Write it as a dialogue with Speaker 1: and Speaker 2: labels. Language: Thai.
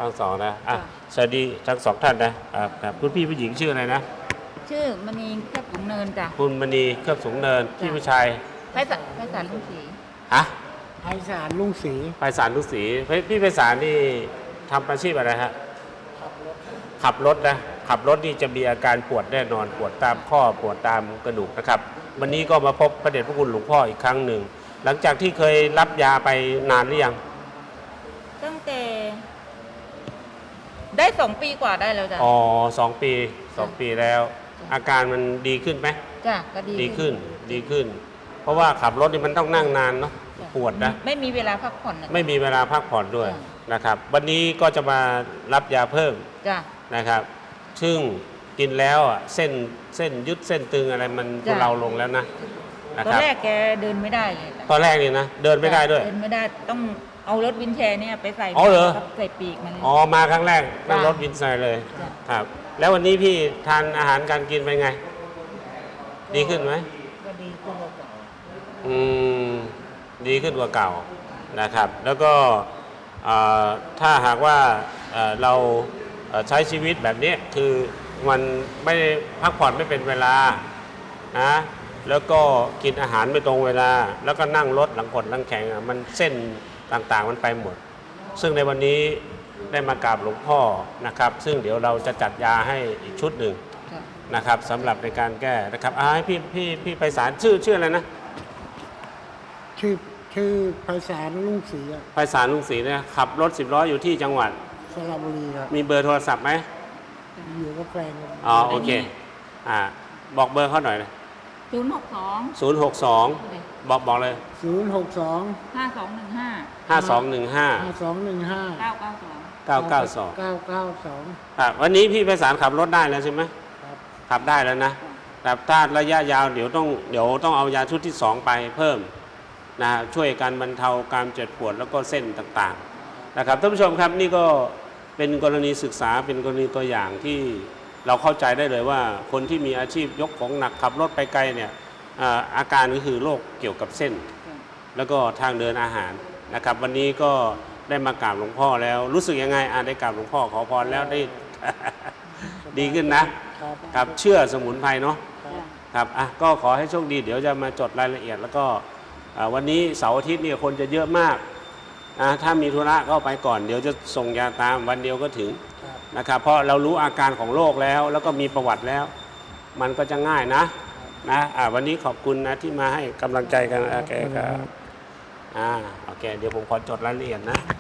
Speaker 1: ทั้งสองนะสวัสดีทั้งสองท่านนะครับคุณพี่ผู้หญิงชื่ออะไรนะ
Speaker 2: ชื่อมณีแคบสูงเนินจ้ะ
Speaker 1: คุณมณีเครือบสูงเนินพี่ผู้ชาย
Speaker 2: ไพศาลลุงศรี
Speaker 1: ฮะ
Speaker 3: ไพศาลลุงศรี
Speaker 1: ไพศาลลุงศรีพี่ไพศาลนี่ทำอาชีพอะไรฮะขับรถนะขับรถนี่จะมีอาการปวดแน่นอนปวดตามข้อปวดตามกระดูกนะครับวันนี้ก็มาพบพระเดชพระคุณหลวงพ่ออีกครั้งหนึ่งหลังจากที่เคยรับยาไปนานหรือยัง
Speaker 2: ตั้งแต่ได้2 ปีกว่าได้แล้วจ้ะ
Speaker 1: อ๋อ2 ปีแล้ว อาการมันดีขึ้นไหม
Speaker 2: จ้ะก็ดี
Speaker 1: ขึ้น เพราะว่าขับรถนี่มันต้องนั่งนานเนาะปวดนะ
Speaker 2: ไม่มีเวลาพักผ่อน
Speaker 1: ไม่มีเวลาพักผ่อนด้วยนะครับวันนี้ก็จะมารับยาเพิ่มนะครับซึ่งกินแล้วเส้นยึดเส้นตึงอะไรมันทุเลาลงแล้วนะ
Speaker 2: ตอนแรกแกเดินไม่ได้เลย
Speaker 1: ตอนแรกนี่นะเดินไม่ได้ด้วย
Speaker 2: เดินไม่ได้ต้องเอารถวินแชร์เนี่ยไปใส่ใส่ปีกมัน
Speaker 1: มาครั้งแรกนั่งรถวินแชร์เลยครับแล้ววันนี้พี่ทานอาหารการกินเป็นไงดีขึ้นไหม
Speaker 3: ก็ดีขึ้นกว่าเก่า
Speaker 1: ดีขึ้นกว่าเก่านะครับแล้วก็ถ้าหากว่าเราใช้ชีวิตแบบนี้คือมันไม่พักผ่อนไม่เป็นเวลานะแล้วก็กินอาหารไม่ตรงเวลาแล้วก็นั่งรถหลังกดหลังแข็งมันเส้นต่างๆมันไปหมดซึ่งในวันนี้ได้มากราบหลวงพ่อนะครับซึ่งเดี๋ยวเราจะจัดยาให้อีกชุดหนึ่งนะครับสำหรับในการแก้นะครับให้พี่ไพศาลชื่ออะไรนะ
Speaker 3: ชื่อไพศาลลุงศรี
Speaker 1: ไพศาลลุงศรีเนี่ยขับรถ10 ล้ออยู่ที่จังหวัด
Speaker 3: สระบุรีครับ
Speaker 1: มีเบอร์โทรศัพท์ไหม
Speaker 3: อยู่กับแฟน
Speaker 1: โอเคบอกเบอร์เขาหน่อยเลย062บอกเลย
Speaker 3: 062
Speaker 2: 5215
Speaker 1: 992วันนี้พี่ไพศาลขับรถได้แล้วใช่ไหมขับได้แล้วนะแต่ถ้าระยะยาวเดี๋ยวต้องเอายาชุดที่2ไปเพิ่มนะช่วยการบรรเทาการเจ็บปวดแล้วก็เส้นต่างๆนะครับท่านผู้ชมครับนี่ก็เป็นกรณีศึกษาเป็นกรณีตัวอย่างที่เราเข้าใจได้เลยว่าคนที่มีอาชีพยกของหนักขับรถไปไกลเนี่ยอาการก็คือโรคเกี่ยวกับเส้นแล้วก็ทางเดินอาหารนะครับวันนี้ก็ได้มากราบหลวงพ่อแล้วรู้สึกยังไงได้กราบหลวงพ่อขอพรแล้วได้ ดีขึ้นนะครับเชื่อสมุนไพรเนาะครับก็ขอให้โชคดีเดี๋ยวจะมาจดรายละเอียดแล้วก็วันนี้เสาร์อาทิตย์นี่คนจะเยอะมากถ้ามีธุระก็ไปก่อนเดี๋ยวจะส่งยาตามวันเดียวก็ถึงนะครับเพราะเรารู้อาการของโรคแล้วก็มีประวัติแล้วมันก็จะง่ายนะวันนี้ขอบคุณนะที่มาให้กำลังใจกันโอเคครับโอเคเดี๋ยวผมขอจดรายละเอียดนะ